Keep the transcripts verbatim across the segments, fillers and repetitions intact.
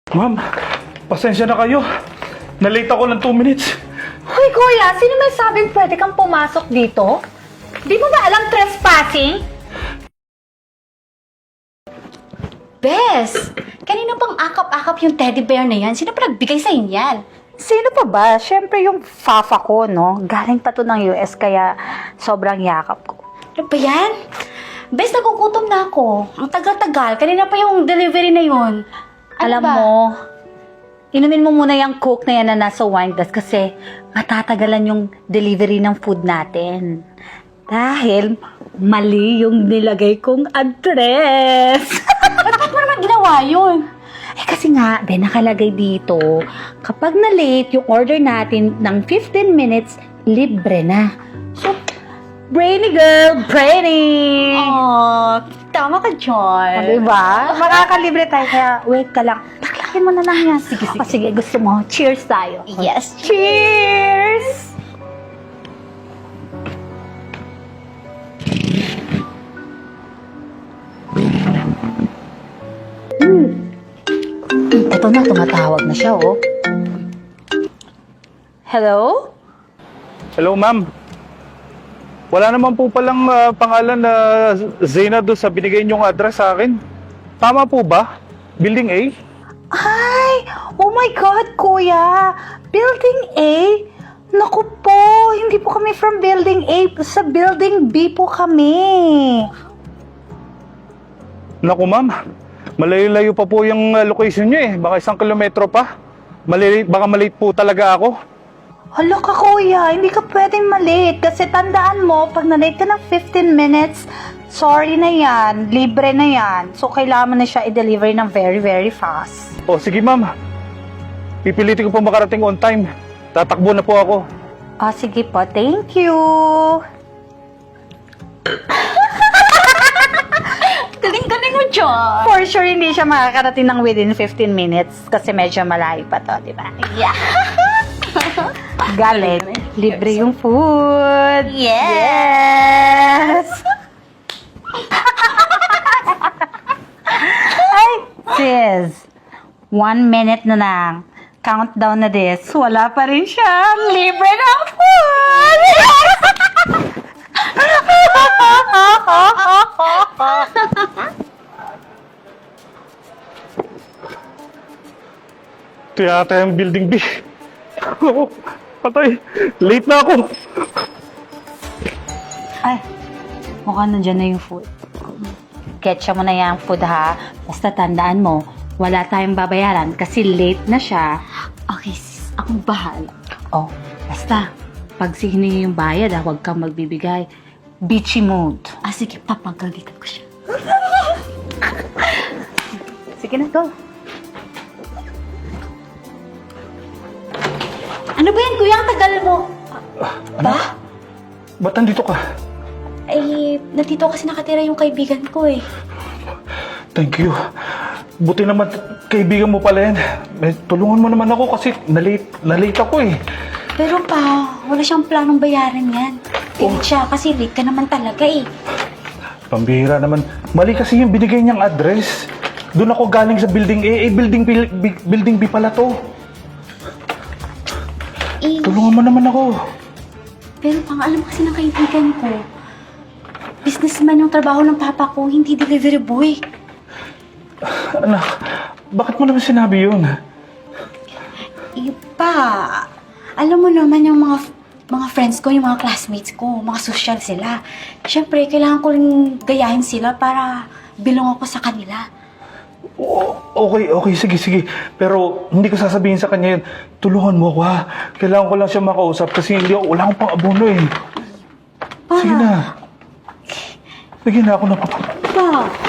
Ma'am, pasensya na kayo. Nalate ako ng two minutes. Hoy kuya, sino may sabing pwede kang pumasok dito? Di mo ba alam trespassing? Bes, kanina pang akap-akap yung teddy bear na yan. Sino pa nagbigay sa inyan? Sino pa ba? Siyempre yung fafa ko, no? Galing pa to ng U S kaya sobrang yakap ko. Ano ba yan? Bes, nagugutom na ako. Ang tagal-tagal. Kanina pa yung delivery na yun. Ano Alam ba? mo, inumin mo muna yung coke na yan na nasa wine glass kasi matatagalan yung delivery ng food natin. Dahil mali yung nilagay kong address. Ba't mo naman ginawa yun? Eh kasi nga, be, nakalagay dito, kapag na-late yung order natin ng fifteen minutes, libre na. So, brainy girl, brainy! Oh, tama ka, John. O, diba? Makakalibre tayo, kaya wait ka lang. Taklakin mo na lang yan. Sige, sige. O, sige, gusto mo. Cheers tayo. Yes. Cheers! Ito na, tumatawag na siya, oh. Hello? Hello, ma'am. Wala naman po palang ah, pangalan na Zena doon sa binigay niyong address sa akin. Tama po ba? Building A? Ay! Oh my God, kuya! Building A? Naku po, hindi po kami from Building A. Sa Building B po kami. Naku, ma'am. Malayo-layo pa po yung ah, location niyo eh. Baka isang kilometro pa. Mali baka malate po talaga ako. Hala ka, kuya, hindi ka pwedeng malate. Kasi tandaan mo, pag na-late ka ng fifteen minutes, sorry na yan, libre na yan. So, kailangan mo na siya i-deliver ng very, very fast. O, sige, ma'am. Pipilitin ko po makarating on time. Tatakbo na po ako. Ah, sige po, thank you. Galing-galing mo, John. For sure, hindi siya makakarating ng within fifteen minutes kasi medyo malayo pa to, di ba? Yeah. Galit. Libre yung food. Yes. Ay, sis. One minute na lang. Countdown na this. Wala pa rin siya. Libre ng food. Ito yata yung building B. Oo, patay. Late na ako. Ay, mukhang nandyan na yung food. Ketcha mo na yung food, ha? Basta tandaan mo, wala tayong babayaran kasi late na siya. Okay, sis. Akong bahala. Oh, basta, pag sihiningi yung bayad, ha, huwag kang magbibigay. Bitchy mood. Ah, sige, papagalitan ko siya. Sige na, go. Ano ba yan, kuya? Ang tagal mo. Ano? Ba't nandito ka? Ay, nandito kasi nakatira yung kaibigan ko eh. Thank you. Buti naman, kaibigan mo pala yan. Eh, tulungan mo naman ako kasi nalate, nalate ako eh. Pero pa, wala siyang planong bayaran yan. Pilit siya kasi late ka naman talaga eh. Pambihira naman. Mali kasi yung binigay niyang address. Doon ako galing sa building A. Eh, building B, B- building B pala to. Eh, Tulungan mo naman ako. pero pang alam kasi ng kaibigan ko, businessman yung trabaho ng papa ko, hindi delivery boy. Anak, bakit mo naman sinabi yun? Iba. Alam mo naman yung mga mga friends ko, yung mga classmates ko, mga social sila. Siyempre, kailangan ko rin gayahin sila para bilong ako sa kanila. O- okay, okay, sige, sige. Pero hindi ko sasabihin sa kanya yun. Tulungan mo ako ha. Kailangan ko lang siya makausap kasi hindi ako, wala akong pang abono eh. Pa, Sige na. Sige na ako na. pa.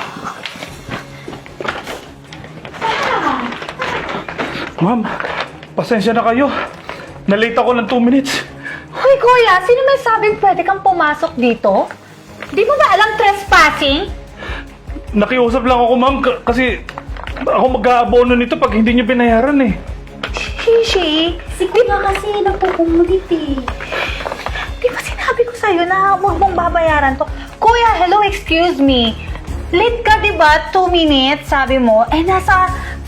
Ma'am, pasensya na kayo. Nalate ako ng two minutes. Hoy, kuya, sino may sabing pwede kang pumasok dito? Di mo ba alam trespassing? Nakiusap lang ako, ma'am, k- kasi ako mag-aabono nito pag hindi niyo binayaran eh. Shishi, Sige nga kasi, nagpupungulit eh. di ba sinabi ko sa'yo na huwag mong babayaran to? Kuya, hello, excuse me. Late ka, di ba? Two minutes, sabi mo. Eh, nasa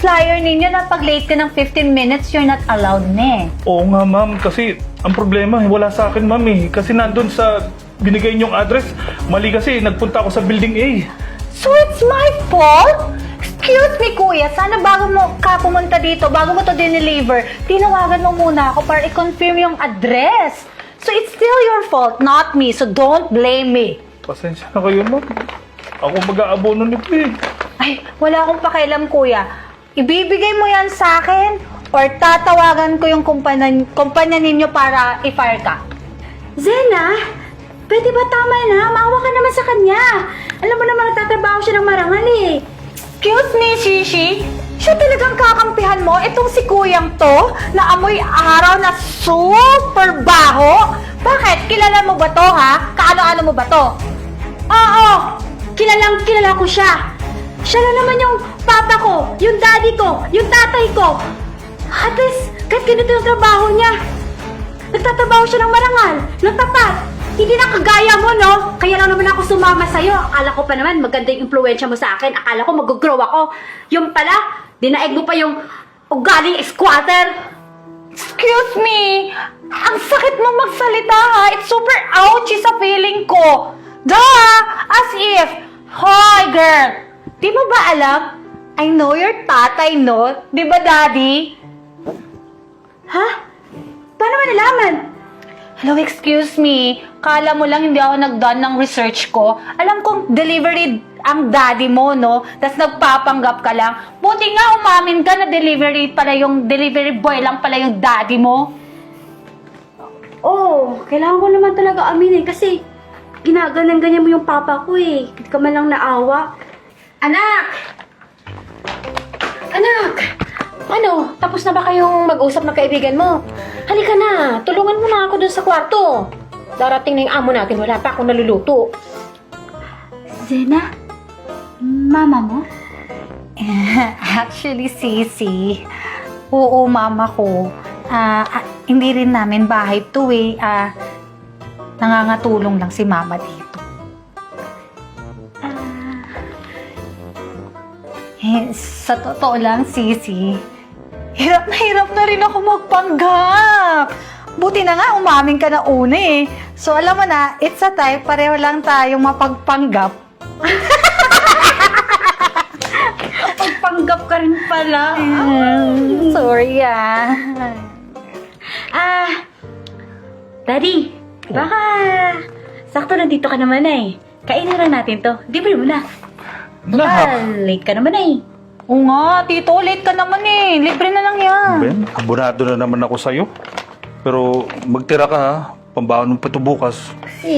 flyer ninyo na pag late ka ng fifteen minutes, you're not allowed na eh. Oo nga, ma'am. Kasi ang problema, wala sa akin, ma'am eh. Kasi nandun sa binigay niyong address, mali kasi nagpunta ako sa building A. So it's my fault? Excuse me, kuya. Sana bago mo ka pumunta dito, bago mo to dineliver, tinawagan mo muna ako para i-confirm yung address. So it's still your fault, not me. So don't blame me. Pasensya na kayo, ma'am. Ako mag-aabono nito eh. Ay, wala akong pakialam, kuya. Ibibigay mo yan sa akin or tatawagan ko yung kumpanya, kumpanya ninyo para i-fire ka. Zena, pwede ba tama na? Maawa ka naman sa kanya. Alam mo naman, nagtatrabaho siya ng marangal eh. Excuse me, Shishi? Siya talagang kakampihan mo? Itong si kuyang to na amoy araw na super baho? Bakit? Kilala mo ba to, ha? Kaano-ano mo ba to? Oo, kilalang kilala ko siya. Siya na naman yung papa ko, yung daddy ko, yung tatay ko. At least, kahit ganito yung trabaho niya. Nagtatrabaho siya ng marangal, ng tapat. Hindi na kagaya mo, no? Kaya lang naman ako sumama sa'yo. Akala ko pa naman maganda yung impluensya mo sa akin. Akala ko mag-grow ako. Yung pala, dinaig mo pa yung ugaling squatter. Excuse me? Ang sakit mo magsalita, ha? It's super ouchy sa feeling ko. Duh! As if, hoy, girl! Di mo ba alam? I know your tatay, no? Di ba, daddy? Ha? Paano mo nalaman? Hello, excuse me. Kala mo lang hindi ako nag-done ng research ko. Alam kong delivery ang daddy mo, no? Tapos nagpapanggap ka lang. Buti nga umamin ka na delivery pala yung delivery boy lang pala yung daddy mo. Oo, kailangan ko naman talaga aminin kasi ginaganyan-ganyan mo yung papa ko eh. Hindi ka man lang naawa. Anak! Anak! Ano, tapos na ba kayong mag-usap ng kaibigan mo? Halika na, tulungan mo na ako dun sa kwarto. Darating na yung amo natin, wala pa akong naluluto. Zena? Mama mo? Actually, Sisi, oo, mama ko. Ah, ah, hindi rin namin bahay to eh. Ah, nangangatulong lang si mama dito. Eh, sa totoo lang, Sisi, hirap na hirap na rin ako magpanggap. Buti na nga, umamin ka na una eh. So, alam mo na, it's a time, pareho lang tayong mapagpanggap. Pagpanggap ka rin pala. Mm, sorry ah. Ah, Daddy, baka sakto nandito ka naman eh. Kainin lang natin to. Libre mo na. Nah. Ah, late ka naman eh. Oo nga, tito, late ka naman eh. Libre na lang yan. Ben, abonado na naman ako sa'yo. Pero magtira ka ha. Pambaon mo pa ito bukas.